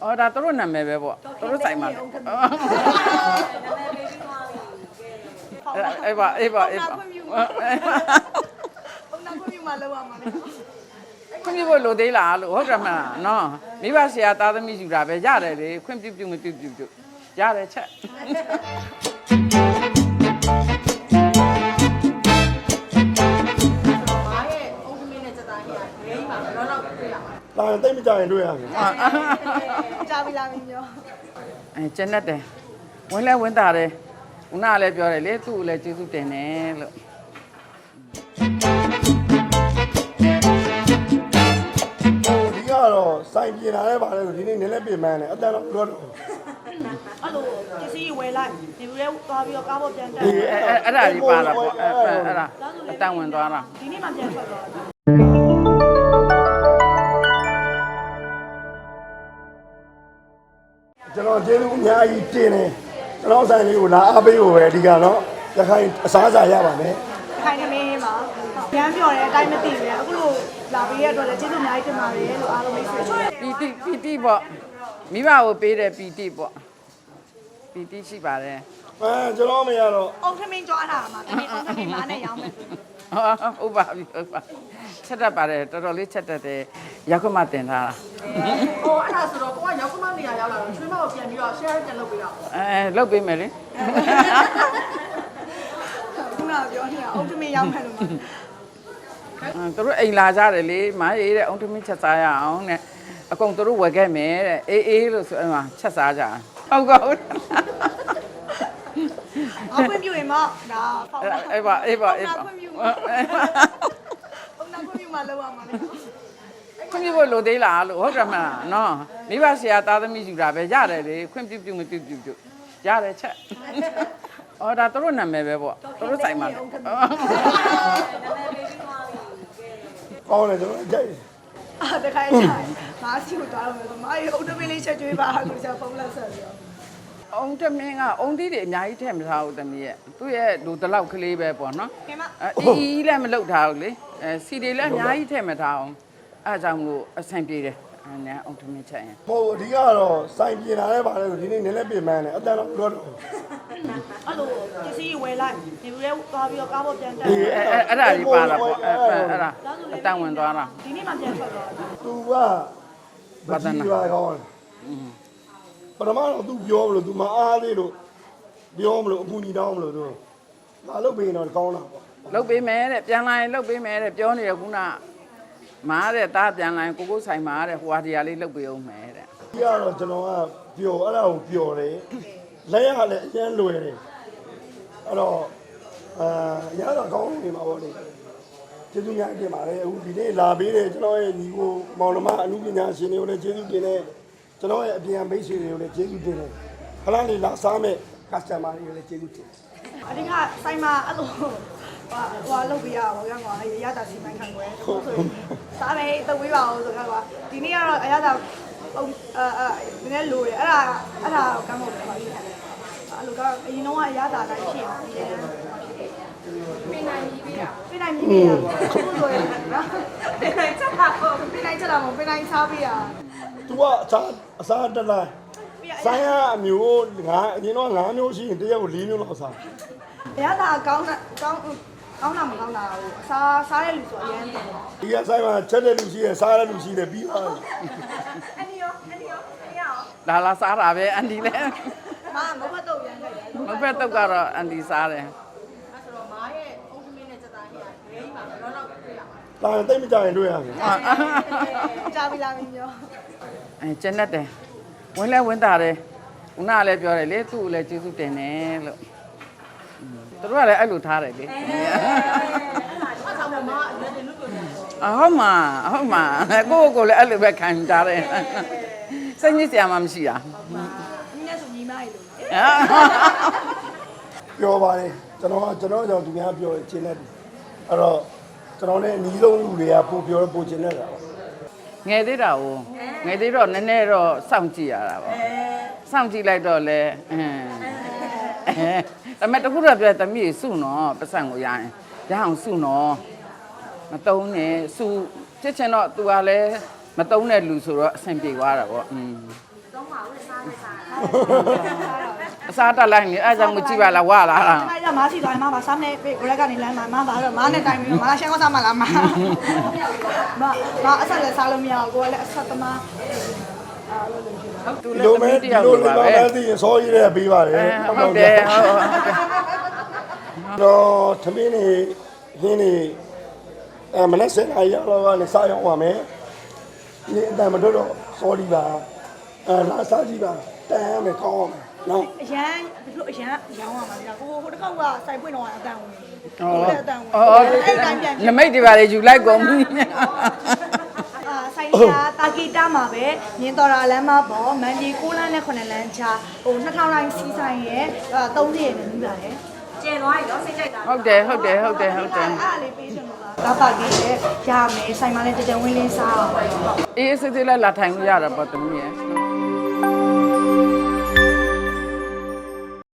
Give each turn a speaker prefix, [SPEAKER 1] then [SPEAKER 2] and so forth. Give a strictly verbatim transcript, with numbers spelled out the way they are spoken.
[SPEAKER 1] အော်ဒါတို့နာမည်ပဲပေါ့တို့ဆိုင်မှာအေးပါအေးပါအေးပါ
[SPEAKER 2] ဘုံနာခွင့်ပြုမှလောက်ရမှာလေ
[SPEAKER 1] ခွင့်ပြုဖို့လိုသေးလားလို့ဟုတ်တယ်မလားနော်မိဘဆရာသားသမီးယူတာပဲရတယ်လေခွင့်ပြုပြုမပြုပြုပြုရတယ်ချက်
[SPEAKER 3] လာတိတ်မကြရင်တွေ့ရမယ်
[SPEAKER 2] ကြားပြီလားမင်းပြော
[SPEAKER 1] အဲကျန်တတ်တယ်ဝင်လဲဝင်တာတယ်ဦးနာလည်းပြောတယ်လေသူ့ကိုလည်းကျေးဇူးတင်တယ်လို့
[SPEAKER 3] ဒီကတော့စိုင်ပြင်လာတဲ့ပါလဲဆိုဒီနေ့နည်းနည်းပြင်မှန်းတယ်အတန်တော့တော့
[SPEAKER 2] အဲ့လိုပစ္စည်းဝယ်လိုက်ဒီလိုလဲသွားပြီးတော့ကားပေါ်ပြန်တက်
[SPEAKER 1] အဲ့အဲ့ဒါကြီးပါတာပေါ့အဲ့အဲ့ဒါအတန်ဝင်သွားတာ
[SPEAKER 2] ဒီနေ့မှပြန်ထွက်သွားတာ
[SPEAKER 3] ကျွန်တော်ကျေးဇူးအများကြီးတင်တယ်ကျွန်တော်ဆိုင်လေးကိုလာအားပေးဖို့ပဲအဓိကတော့ရခိုင်အစားအစာရပါမယ်
[SPEAKER 2] ရခိုင်သမင်းမှာရမ်းပြောတယ်အတိုင်းမသိဘူးအခုလိုလာပေးရတော့လည်းကျေးဇူးအများကြီးတင်ပါတယ်လို့အားလုံးမိတ်ဆွေ
[SPEAKER 1] ပီတိပီတိပေါ့မိဘကိုပေးတဲ့ပီတိပေါ့ပီတိရှိပါတယ်
[SPEAKER 3] အဲကျွန်တော်မရတော့
[SPEAKER 2] အုံထမင်းကြွားတာမှာတမင်းအုံထမင်းမားနဲ့ရောင်းမယ်
[SPEAKER 1] ဟုတ်ပါပြီဟုတ်ပါချက်တတ်ပါတယ်တော်တော်လေးချက်တတ်တယ်ရောက်ခမတင်ထားတာ
[SPEAKER 2] ဟိုအဲ့ဒါဆိုတော့ကိုကရောက်ခမနေရာရောက်လာတော့ချွေးမကိုပြန်ပြီးတော့ share ပြန်လုပ်ပေးတော့
[SPEAKER 1] အဲလုပ်ပေးမယ်လေ
[SPEAKER 2] ခုနကပြောနေတာအုံထမင်းရောက်မယ်လို့မှာ
[SPEAKER 1] သူတို့အိမ်လာကြတယ်လေမားရေးတဲ့အုံထမင်းချက်စားရအောင်တဲ့အကုန်သူတို့ဝယ်ခဲ့မယ်တဲ့အေးအေးလို့ဆိုအဲ့မှာချက်စားကြဟုတ်ကောဟုတ်
[SPEAKER 2] အခွင့်ပြုရင်မဒါ
[SPEAKER 1] ဖောက်အေးပါအေးပါအေးပါ
[SPEAKER 2] ခွင့်ပြုဘုံနာခွင့်ပြုမှလောက်ရမှာလေ
[SPEAKER 1] ခွင့်ပြုဖို့လိုသေးလားလို့ဟုတ်တယ်မလားနော်မိဘဆရာသားသမီးယူတာပဲရတယ်လေခွင့်ပြုပြုမပြုပြုပြုရတယ်ချက်အော်ဒါတို့နာမည်ပဲပေါ့တို့ဆိုင်မှာ
[SPEAKER 3] ကောင်းတယ်ကျွန်တော်ကြိုက်
[SPEAKER 2] အာတခါကျရင်မားစီကိုတွားလို့ဆိုမားရေအုတ်တမင်းလေးချက်ကျွေးပါလို့ဆိုဖုန်းလက်ဆက်ပြီးတော့
[SPEAKER 1] အုံတမင်းကအုံသီးတွေအများကြီးထည့်မထားဘူးတမီးရဲ့သူ့ရဲ့လူတလောက်ကလေးပဲပေါ့နော်အီးလည်းမလုပ်ထားဘူးလေအဲစီတွေလည်းအများကြီးထည့်မထားအောင်အဲအကြောင်းကိုအဆင်ပြေတယ်အဲနဲ့အုံတမင်းချက်ရင်
[SPEAKER 3] ဟိုအဓိကတော့စိုင်ပြင်လာတဲ့ပါလဲဆိုဒီနေ့နည်းနည်းပြင်မှန်းတယ်အတန်တော့တော့
[SPEAKER 2] အဲ့လိုပစ္စည်းဝယ်လိုက်ဒီလိုလဲသွားပြီးတော့ကားပေါ်ပြန်တက်
[SPEAKER 1] အဲအဲ့ဒါကြီးပါတာပေါ့အဲအဲ့ဒါအတန်ဝင်သွားတာ
[SPEAKER 2] ဒီနေ့မှပြန်ထွက်သွားတာ
[SPEAKER 3] သူကဘာသာနာကောင်းပထမတော့ तू ပြောမလို့ तू မအားသေးလို့ပြောမလို့အပူညီတောင်းမလို့ तू မလုပ်ပေးရင်တော့ကောင်းတာပေါ့
[SPEAKER 1] လုပ်ပေးမယ်တဲ့ပြန်လာရင်လုပ်ပေးမယ်တဲ့ပြောနေရခုနမားတဲ့တားပြန်လာရင်ကိုကိုဆိုင်မားတဲ့ဟိုဟာတရားလေးလုပ်ပေးအောင်မယ်တဲ့
[SPEAKER 3] ဒီကတော့ကျွန်တော်ကပျော်အဲ့ဒါကိုပျော်တယ်လက်ရလည်းအကျန်းလွယ်တယ်အဲ့တော့အာရတော့ကောင်းနေမှာပေါ့လေကျေးဇူးများတင်ပါတယ်အခုဒီနေ့လာပေးတယ်ကျွန်တော်ရဲ့ညီကိုမောင်နှမအမှုပညာရှင်တွေကိုလည်းကျေးဇူးတင်တယ်ကျွန်တော်ရဲ့အပြင်မိတ်ဆွေတွေကိုလည်းကျေးဇူးတင်တယ်ခလာလေးလာစားမဲ့ customer တွေကိုလည်းကျေးဇူးတင်
[SPEAKER 2] အဓိကဆိုင်မှာအဲ့လိုဟိုဟိုလုပ်ပြရပါဘောကကွာအရသာစီမံခံွယ်ဆိုဆိုစားမယ်တဝေးပါအောင်ဆိုတော့ကွာဒီနေ့ကတော့အရသာအဲအဲနည်းနည်းလိုရအဲ့ဒါအဲ့ဒါကမ်းဖို့ပါလိမ့်မယ်အဲ့လိုကအရင်တော့အရသာတိုင်းဖြစ်အောင်ပြင်နိုင်ပြီဗျာပြင်နိုင်ပြီဗျာအခုဆိုရင်နော်ပြင်နိုင်ချက်တာပေါ့ပြင်နိုင်ချက်တာမဟုတ်ပြင်နိုင်စားပြရ
[SPEAKER 3] तू ကအစားအစားတက်လိုက်ဆိုင်ရအမျိုးငါအရင်တော့ငါးမျိုးရှိရင်တရက်ကို၄မျိုးလောက်စား
[SPEAKER 2] အရသာကောင်းတာကောင်းကောင်းတာမကောင်းတာဟိုအစားစားတဲ့လူဆိုအရင်တယ်
[SPEAKER 3] ဒီကဆိုင်မှာချက်တဲ့လူရှိတယ်စားတဲ့လူရှိတယ်ပြီးသွားပြီ
[SPEAKER 2] အန်ဒီရောအန်ဒီရောမရအောင်
[SPEAKER 1] လာလာစားတာပဲအန်ဒီလည်း
[SPEAKER 2] မာမဖတ်တော့ရမ်းလိုက်တယ်
[SPEAKER 1] မဖတ်တော့ကတော့အန်ဒီစားတယ်
[SPEAKER 2] အဲ့ဆိုတော့မာရဲ့အုတ်သမင်းနဲ့စက်သားဟိကဂိမ်းပါတော့တော့တွေ့ရ
[SPEAKER 3] မှာလာတိတ်မကြရင်တွေ့ရမယ်
[SPEAKER 2] ကြားပြီလားမင်းပြော
[SPEAKER 1] အဲကျန်တတ်တယ်ဝင်လဲဝင်တာတယ်ဦးနာလည်းပြောတယ်လေသူ့ကိုလည်းကျေးဇူးတင်တယ်လို့သူတို့ကလည်းအဲ့လိုထားတယ်လေအဟုတ်မှာဟုတ်မှာကိုကိုလည်းအဲ့လိုပဲခံကြတယ်စိတ်ညစ်စရာမှမရှိတာ
[SPEAKER 2] ညီနဲ့ဆိုညီမရေလို့
[SPEAKER 3] ပြောပါတယ်ကျွန်တော်ကကျွန်တော်ကြောင့်သူများပြောချင်တယ်အဲ့တော့ကျွန်တော်လည်းအနီးဆုံးလူတွေကပို့ပြောပို့ချင်တယ်တာပေါ့
[SPEAKER 1] ငယ်သေးတာကိုငယ်သေးတော့နည်းနည်းတော့စောင့်ကြည့်ရတာပေါ့စောင့်ကြည့်လိုက်တော့လဲအင်းအဲဒါမဲ့တခုတော့ပြောတမီးစုနော်ပတ်စံကိုရရင်ရအောင်စုနော်မတုံးနဲ့စုဖြစ်ချင်တော့ तू ကလည်းမတုံးတဲ့လူဆိုတော့အဆင်ပြေသွားတာပေါ့อืม
[SPEAKER 2] တ
[SPEAKER 1] အစားတက်လိုက်နေအဲ့ကြောင့်မကြည့်ပါလားဝါလာတာ
[SPEAKER 2] အဲ့ဒါမားစီသွားရင်မပါစားနေပြီကိုရက်ကနေလမ်းမှာမပါတော့မားနဲ့တိုင်ပြီးမားရှမ်းကစားမလားမမမအဆက်လည်းစားလို့မရဘူးကိုကလည်းအဆက်သမားအာလို့လို့ရှိတာ
[SPEAKER 1] သူ
[SPEAKER 3] ဒီ
[SPEAKER 1] လည်း
[SPEAKER 3] လို
[SPEAKER 1] သမီးတ
[SPEAKER 3] မဲဒီ
[SPEAKER 1] ယောက်
[SPEAKER 3] လို
[SPEAKER 1] လို
[SPEAKER 3] လ
[SPEAKER 1] ပါ
[SPEAKER 3] င်း
[SPEAKER 1] ပဲ
[SPEAKER 3] ပါသိရင်စောကြီးတဲ့ပေးပါတယ်
[SPEAKER 1] ဟုတ်တယ်ဟုတ်ဟုတ်တယ်
[SPEAKER 3] တော့သမင်းနေဟင်းနေအဲမနေ့စနေရောက်တော့ကနေစရောက်ပါမယ်ဒီအတန်မတို့တော့စောဒီပါအဲလာစားကြည့်ပါတန်းမယ်ကောင်းအောင်နော်
[SPEAKER 2] အရန်ဒီလိုအရန်ရောင်းရမှာကြာကိုဟိုတစ်ခေါက်ကစိုက်ပွင့်တော့အတန်ဝင်
[SPEAKER 1] อ๋อ
[SPEAKER 2] အတန်ဝင်
[SPEAKER 1] อ๋อ
[SPEAKER 2] အဲ့တိုင်းပြန်
[SPEAKER 1] နမိတ်တွေပါလေယူလိုက်ကုန်ပြီ
[SPEAKER 2] အာဆိုင်နေတာတာကီတာမှာပဲမြင်းတော်ရာလမ်းမပေါ်မန်ဒီ၉လမ်းနဲ့9လမ်းချဟိုနှစ်ထောင်တိုင်းစီးဆိုင်ရဲ့သုံးရက်နဲ့ပြီးပါတယ်ကျဲသွားပြီနော်စိတ်ကြိုက်တာ
[SPEAKER 1] ဟုတ်တယ်ဟုတ်တယ်ဟုတ်တယ်ဟုတ်တယ်
[SPEAKER 2] အဲ့ဒါလေးပေးချင်လို့လားကာပါကီရဲ့ရမယ်ဆိုင်မှာလည်းကြကြဝင်းလင်းစားအောင်
[SPEAKER 1] အေးစစ်စစ်လိုက်လာထိုင်လို့ရတာပေါ့တမီးရဲ့